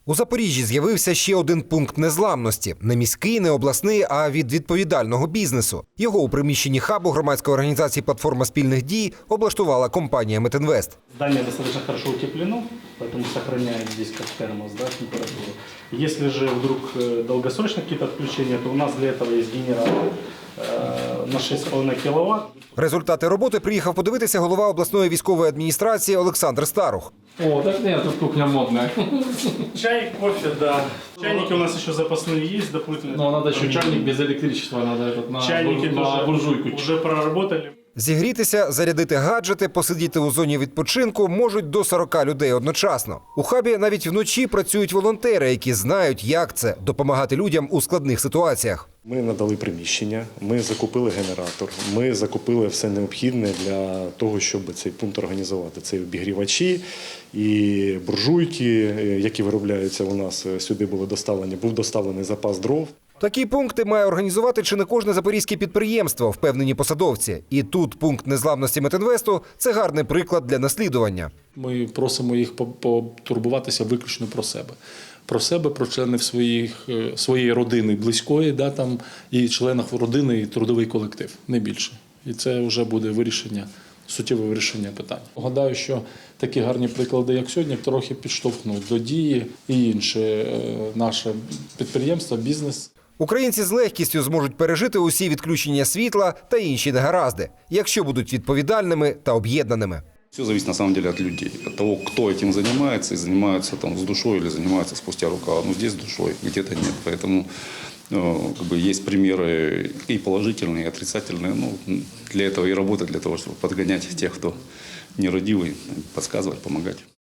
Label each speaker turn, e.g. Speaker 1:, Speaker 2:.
Speaker 1: У Запоріжжі з'явився ще один пункт незламності – не міський, не обласний, а від відповідального бізнесу. Його у приміщенні хабу громадської організації «Платформа спільних дій» облаштувала компанія «Метинвест».
Speaker 2: Здание достаточно хорошо утеплено, поэтому сохраняет здесь как термос, да, температуру. Если же вдруг долгосрочные какие-то отключения, то у нас для этого есть генератор на 6,5 кВт.
Speaker 1: Результати роботи приїхав подивитися голова обласної військової адміністрації Олександр Старух.
Speaker 3: О, так нет, тут кухня модная.
Speaker 2: Чай, кофе, да. Чайники у нас еще запасные есть, дополнительные.
Speaker 3: Но надо еще чайник без электричества, надо этот
Speaker 2: Чайники
Speaker 3: на буржуйку.
Speaker 2: уже проработали.
Speaker 1: Зігрітися, зарядити гаджети, посидіти у зоні відпочинку можуть до 40 людей одночасно. У хабі навіть вночі працюють волонтери, які знають, як це – допомагати людям у складних ситуаціях.
Speaker 4: Ми надали приміщення, ми закупили генератор, ми закупили все необхідне для того, щоб цей пункт організувати. Це обігрівачі і буржуйки, які виробляються у нас, сюди були доставлені. Був доставлений запас дров.
Speaker 1: Такі пункти має організувати чи не кожне запорізьке підприємство, впевнені посадовці. І тут пункт незламності Метинвесту – це гарний приклад для наслідування.
Speaker 5: Ми просимо їх потурбуватися виключно про себе. Про себе, про членів своєї родини близької, да, там, і членів родини, і трудовий колектив, не більше. І це вже буде вирішення, суттєве вирішення питання. Гадаю, що такі гарні приклади, як сьогодні, трохи підштовхнуть до дії і інше наше підприємство, бізнес.
Speaker 1: Українці з легкістю зможуть пережити усі відключення світла та інші негаразди, якщо будуть відповідальними та об'єднаними.
Speaker 6: Все зависит на самом деле от людей, от того, кто этим занимается, и занимаются там с душой или занимаются спустя рукава. Ну, здесь с душой, где-то нет. Поэтому как бы есть примеры и положительные, и отрицательные. Ну, для этого и работа, для того, чтобы подгонять тех, кто нерадивый, подсказывать, помогать.